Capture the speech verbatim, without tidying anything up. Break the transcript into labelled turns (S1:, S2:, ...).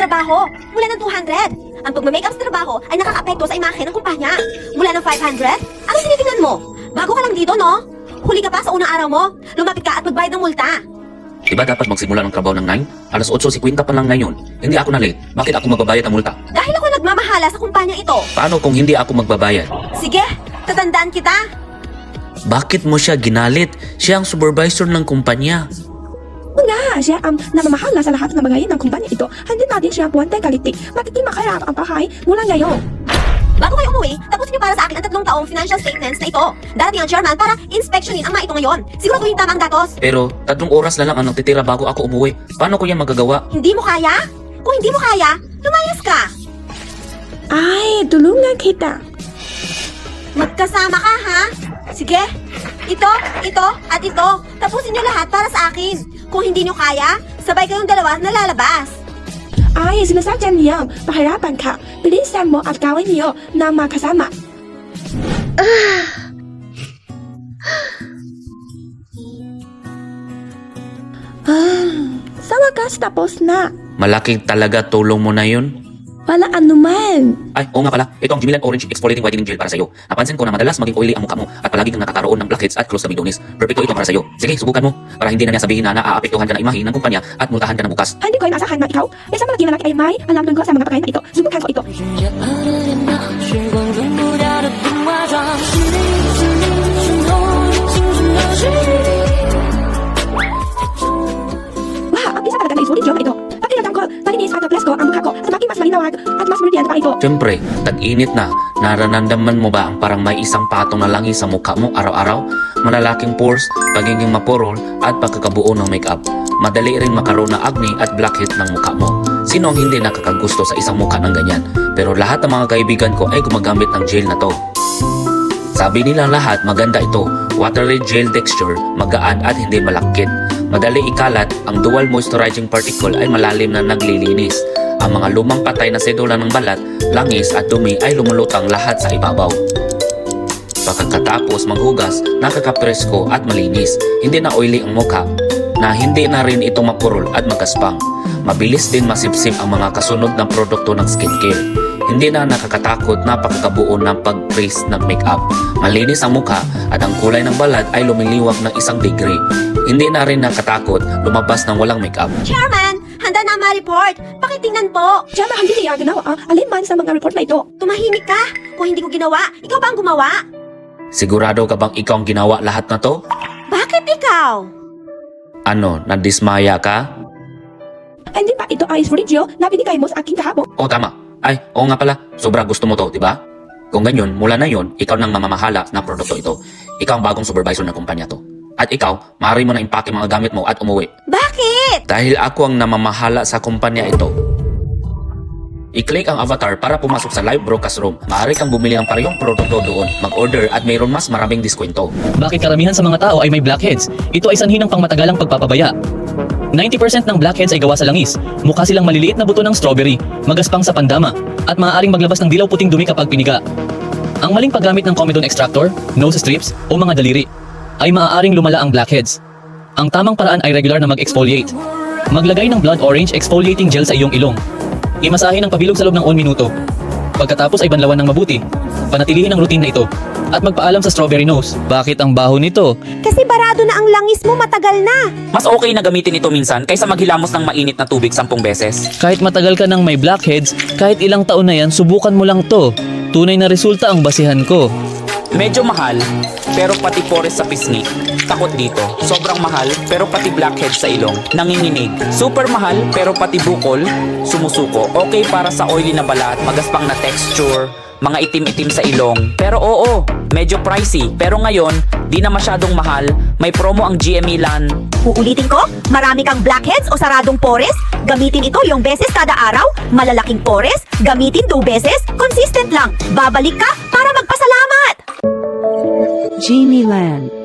S1: trabaho. Mula ng two hundred. Ang pagmamakeup sa trabaho ay nakaka-apekto sa imahe ng kumpanya. Mula ng five hundred? Ano tinitingnan mo? Bago ka lang dito, no? Huli ka pa sa unang araw mo. Lumapit ka at magbayad ng multa.
S2: Diba dapat magsimula ng trabaho ng nine? Alas eight fifty pa lang ngayon. Hindi ako na late. Bakit ako magbabayad ng multa?
S1: Dahil ako nagmamahala sa kumpanya ito.
S2: Paano kung hindi ako magbabayad?
S1: Sige, tatandaan kita.
S2: Bakit mo siya ginalit? Siya ang supervisor ng kumpanya.
S3: Nga, siya ang namamahala sa lahat ng bagay ng kumpanya ito. Hindi natin siya buwantay kaliti. Magiging makarap ang bahay mula ngayon.
S1: Bago kayo umuwi, tapusin niyo para sa akin ang tatlong taong financial statements na ito. Darating ang chairman para inspeksyonin ang mga ito ngayon. Siguraduhin tama ang datos.
S2: Pero tatlong oras na lang ang nagtitira bago ako umuwi. Paano ko yan magagawa?
S1: Hindi mo kaya? Kung hindi mo kaya, lumayas ka.
S3: Ay, tulungan kita.
S1: Magkasama ka, ha? Sige. Ito, ito, at ito. Tapusin niyo lahat para sa akin. Kung hindi niyo kaya, sabay kayong dalawa na lalabas.
S3: Ay, sinasadya niyo, pahirapan ka. Bilisan mo at gawin niyo na makasama. Ah, sa wakas tapos na.
S2: Malaki talaga tulong mo na yun.
S3: Wala anuman.
S2: Ay, oo nga pala. Ito ang Jimilan Orange Exfoliating Whitening Gel para sa'yo. Napansin ko na madalas maging oily ang mukha mo at palagi kang nakakaroon ng blackheads at close na bigdonis. Perfecto ito para sa'yo. Sige, subukan mo para hindi na niya sabihin na naaapektuhan ka ng imahe ng kumpanya at multahan ka na bukas.
S3: Hindi ko inasahan na ikaw. Isang malaki lalaki ay may alam tungkol sa mga pagkain na ito. Subukan ko ito.
S4: 时光容不掉的童话装，是你是你渗透青春的记忆。
S3: Wow, ang isa talaga na isulit yun ito. Pakiramdam ko, malinis at plus ko ang mukha ko at maging mas malinawag at mas brilliant pa ito.
S2: Siyempre, tag-init na. Nararamdaman mo ba ang parang may isang patong na langis sa mukha mo araw-araw? Malalaking pores, pagiging mapurol at pagkakabuo ng makeup. Madali rin makaroon ng acne at blackhead ng mukha mo. Sino ang hindi nakakagusto sa isang mukha ng ganyan? Pero lahat ng mga kaibigan ko ay gumagamit ng gel na to. Sabi nila lahat maganda ito. Watery gel texture, magaan at hindi malakit. Madali ikalat, ang dual moisturizing particle ay malalim na naglilinis. Ang mga lumang patay na sedula ng balat, langis at dumi ay lumulutang lahat sa ibabaw. Pagkatapos maghugas, nakakapresko at malinis. Hindi na oily ang mukha, na hindi na rin ito mapurol at magaspang. Mabilis din masipsip ang mga kasunod ng produkto ng skincare. Hindi na nakakatakot na pagkakabuo ng pag-crease ng makeup. Malinis ang mukha at ang kulay ng balat ay lumiliwag ng isang degree. Hindi na rin nakatakot lumabas ng walang makeup.
S1: Chairman, handa na ang mga report. Pakitingnan po.
S3: Diyan ba hindi niya ginawa ang aliman sa mga report na ito?
S1: Tumahimik ka. Kung hindi ko ginawa, ikaw ba ang gumawa?
S2: Sigurado ka bang ikaw ang ginawa lahat na to?
S1: Bakit ikaw?
S2: Ano, nadismaya ka?
S3: Hindi ba ito ay video na binigay mo sa akin kahapon?
S2: O tama. Ay, oo nga pala. Sobra gusto mo to, di ba? Kung ganyan, mula na yon, ikaw nang mamamahala ng produkto ito. Ikaw ang bagong supervisor ng kumpanya to. At ikaw, maaari mo na impake mga gamit mo at umuwi.
S1: Bakit?
S2: Dahil ako ang namamahala sa kumpanya ito. I-click ang avatar para pumasok sa live broadcast room. Maaari kang bumili ng parehong produkto doon, mag-order at mayroon mas maraming diskwento.
S5: Bakit karamihan sa mga tao ay may blackheads? Ito ay sanhi ng pangmatagalang pagpapabaya. ninety percent ng blackheads ay gawa sa langis. Mukha silang maliliit na buto ng strawberry, magaspang sa pandama, at maaaring maglabas ng dilaw puting dumi kapag piniga. Ang maling paggamit ng comedone extractor, nose strips, o mga daliri ay maaaring lumala ang blackheads. Ang tamang paraan ay regular na mag-exfoliate. Maglagay ng blood orange exfoliating gel sa iyong ilong. Imasahe ng pabilog sa loob ng one minuto. Pagkatapos ay banlawan ng mabuti. Panatilihin ang routine na ito. At magpaalam sa strawberry nose. Bakit ang baho nito?
S1: Kasi barado na ang langis mo, matagal na.
S6: Mas okay na gamitin ito minsan kaysa maghilamos ng mainit na tubig sampung beses.
S5: Kahit matagal ka nang may blackheads, kahit ilang taon na yan, subukan mo lang to. Tunay na resulta ang basihan ko.
S6: Medyo mahal, pero pati pores sa pisngi. Takot dito. Sobrang mahal, pero pati blackhead sa ilong. Nanginginig. Super mahal, pero pati bukol, sumusuko. Okay para sa oily na balat, magaspang na texture, mga itim-itim sa ilong. Pero oo, medyo pricey. Pero ngayon, di na masyadong mahal. May promo ang G M E LAN.
S1: Uulitin ko, marami kang blackheads o saradong pores? Gamitin ito yung beses kada araw. Malalaking pores? Gamitin two beses? Consistent lang. Babalik ka para magpasalamat!
S7: Jamie Land.